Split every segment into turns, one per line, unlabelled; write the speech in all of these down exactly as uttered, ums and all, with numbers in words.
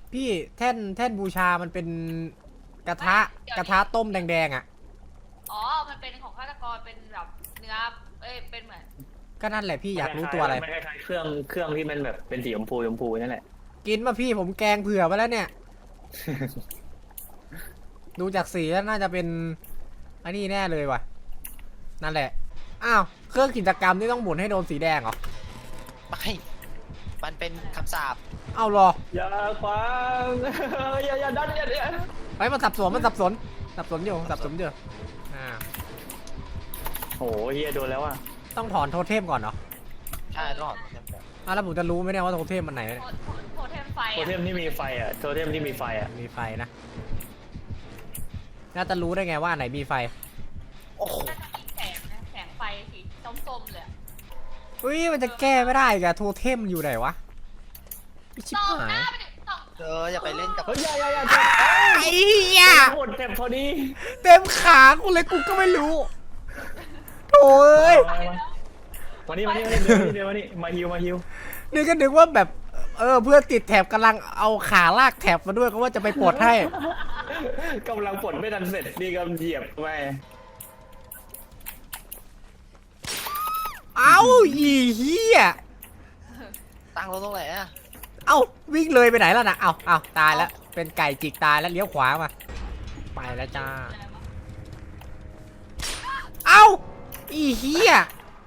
พี่แท่นแท่นบูชามันเป็นกระทะกระทะต้มแดงๆอ่ะ
อ๋อมันเป็นของฆาตกรเป็นแบบเนื้อเอ้ยเป็นเหมือน
ก็นั่นแหละพี่อยากรู้ตัวอะไร
มันคล้ายๆเครื่องเครื่องที่มันแบบเป็นสีชมพูชมพูนั่นแหละ
กินมาพี่ผมแกงเผื่อไว้แล้วเนี่ย ดูจากสีแล้วน่าจะเป็นอันนี้แน่เลยว่ะนั่นแหละอ้าวเครื่องกิจกรรมนี่ต้องหมุนให้โดนสีแดงเหรอ
ไม่มันเป็นคำสาป
เอาหรอ
อย่าขวางอย่าอย่าดันอย่าอย่า
ไปมันสับสนมันสับสนสับสนอยู่สับสนอยู่อ่า
โอ้โหเฮียโดนแล้วอ่ะ
ต้องถอนโทเทมก่อนเหรอ
ใช่ต้องหอมจำแบบ
อ่ะแล้วผมจะรู้ไหมเนี่ยว่าโทเทมมันไหนเนี่ย
โทโทโทเทมไฟ
โทเทมที่มีไฟอ่ะโทเทมที่มีไฟอ่ะ
มีไฟนะน่าจะรู้ได้ไงว่าอันไหนมีไฟ
โอ้โห
น่าจะมีแสงนะแสงไฟสีส้มๆเลย
อุ้ยมันจะแก้ไม่ได้อีกอะโทเทมอยู่ไหนวะชิบ
ส่อง
หา
หน้าย ไปดิส่อง
เอออย่าไปเล่นกับ
เฮ้ยอย่าอย่าอย่า
ไอ้เหี้ย
หมดเต็มพอดี
เต็มขากูเลยกูก็ไม่รู้โถ่เอ้ย
วันนี้วันนี้วันนี้เดี๋ยววันนี้มาฮิวมาฮิว
นี่ก็นึกว่าแบบเออเพื่อนติดแถบกำลังเอาขาลากแถบมาด้วยก็ว่าจะไปปลดให้
กำลังปลดไม่ทันเสร็จนี่ก็เหยียบไป
เอ้าอีเหี้ย
ตั้งรถตรงไหนอะ
เอ้าวิ่งเลยไปไหนแล้วนะเอ้าเอ้าตายแล้วเป็นไก่จิกตายแล้วเลี้ยวขวามาไปแล้วจ้าเอ้าอีเหี้ย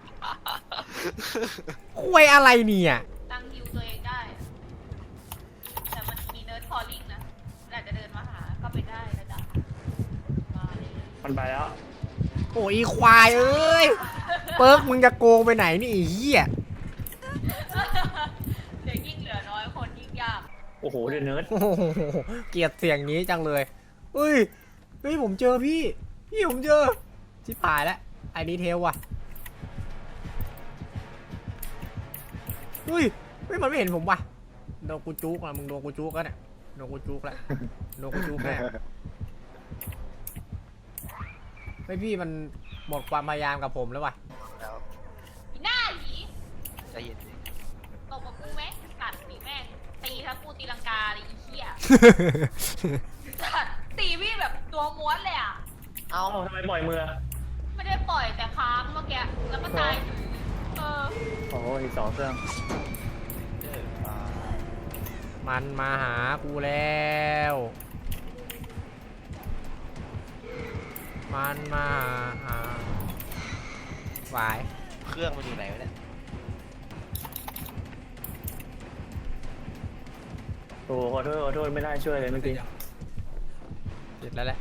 คุยอะไรเนี่ย
ตั้งฮิวตัวเองได้ แต่มันมีเนิร์ดคอลลิ่งนะอาจจะเดินมาหาก็ไปได้นะจ๊ะมาเลย
มันไปแล้ว
โอ้ยอีควายเอ้ยเปิร์กมึงจะโกงไปไหนนี่ไอีเหี้ย
เดี๋ยวยิ่งเหลือน้อยคนยิ่งยาก
โอ้โหเดือดเนิร์ด
โอ้โหเกลียดเสียงนี้จังเลยเฮ้ยเฮ้ยผมเจอพี่พี่ผมเจอชิบหายแล้วไอ้ดีเทลว่ะเฮ้ยเฮ้ยมันไม่เห็นผมว่ะโดนกูจุกอะมึงโดนกูจุกแล้วเนี่ยโดนกูจุกแล้วโดนกูจุกแน่ไม่พี่มันหมดความพยายามกับผมแล้วว่ะ
แล้ว
อีหน้าหยี
ใจเย็นดิ
ตบกับกูไหมกัดตีแม่งตีทั้งกูตีลังกาเลยอีเหี้ยกัดตีพี่แบบตัวม้วนเลยอ่ะ
เอา
เอ้าทำไมปล่อยมือ
ไม่ได้ปล่อยแต่ค้างเมื่อกี้แล้วก็ตายเออ
โอ้โหอีกสองเครื่อง
เออมา
มันมาหากูแล้วมันมาหาหวาย
เครื่องมันอยู่ไหนวะเนี่ย
โอ้โหขอโทษขอโทษไม่ได้ช่วยเลยเมื่อกี้
เสร็จแล้วแหละ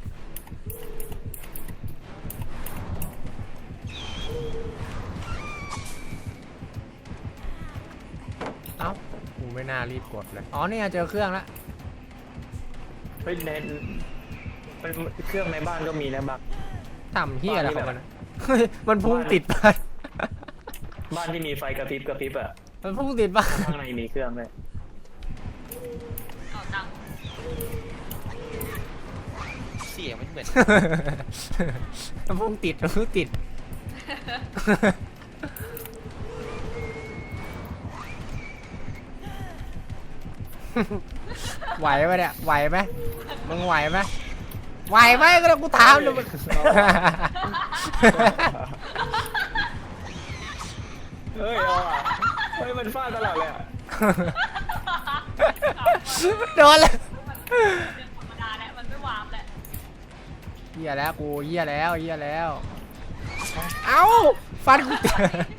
เอ้ากูไม่น่ารีบกดเลยอ๋อเนี่ยเจอเครื่องแล้ว
เฮ้ยในมันเครื่องในบ้านก็มีนะบัก
ทำเฮียอะไรของมันอะเฮ้ยมันพุ่งติดบ้าน
บ้านที่มีไฟกระพริบกระพริบอ่ะ
มันพุ่งติดบ้าน
ข้างในมีเครื่องเลย
เอาตังค์
เสียงมันเหมือน
มันพุ่งติดมันพุ่งติด ไหวไหมเนี่ยไหวไหมมึงไหวไหมไหวไหมก็ต้องกูถามดูมัน
เฮ้ยเอาอ่ะเฮ้ยมันฟาดตลอดเลยอ่ะ
โดนเลย
เป็นธรรมดาแหละมันไม่วาร์ปแหละ
เหี้ยแล้วกูเหี้ยแล้วเหี้ยแล้ว เอ้าฟันกูติด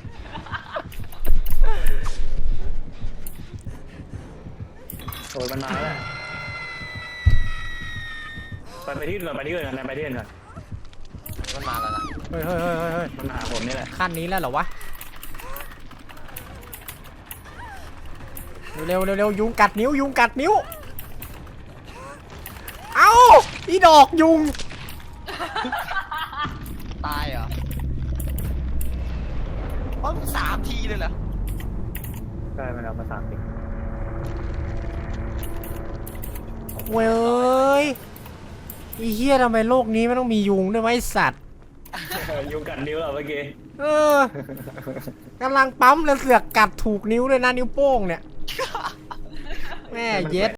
โอ้ยมันมาแล้วไปไปที่อื่นก่อนไปที่อื่นก่อนไปที่อื่นก่อน
มันมาแล้วนะ
เฮ้ยเฮ้ยเฮ้ยเฮ้ย
มันมาหาผมนี่แหละ
ขั้นนี้แล้วเหรอวะเร็วเร็วเร็วยุงกัดนิ้วยุงกัดนิ้วเอ้าอีดอกยุง
ตายเหรออ๋อสามทีเลยเหรอ
ได้มันเอามาสามสิบ
เว้ยอีเหี้ยทำไมโลกนี้ไม่ต้องมียุงด้วยวะไอสัตว์
ยุงกัดนิ้วเหรอเมื่อกี้
เออกำลังปั๊มแล้วเสือกกัดถูกนิ้วด้วยนะนิ้วโป้งเนี่ย แม่เย็ด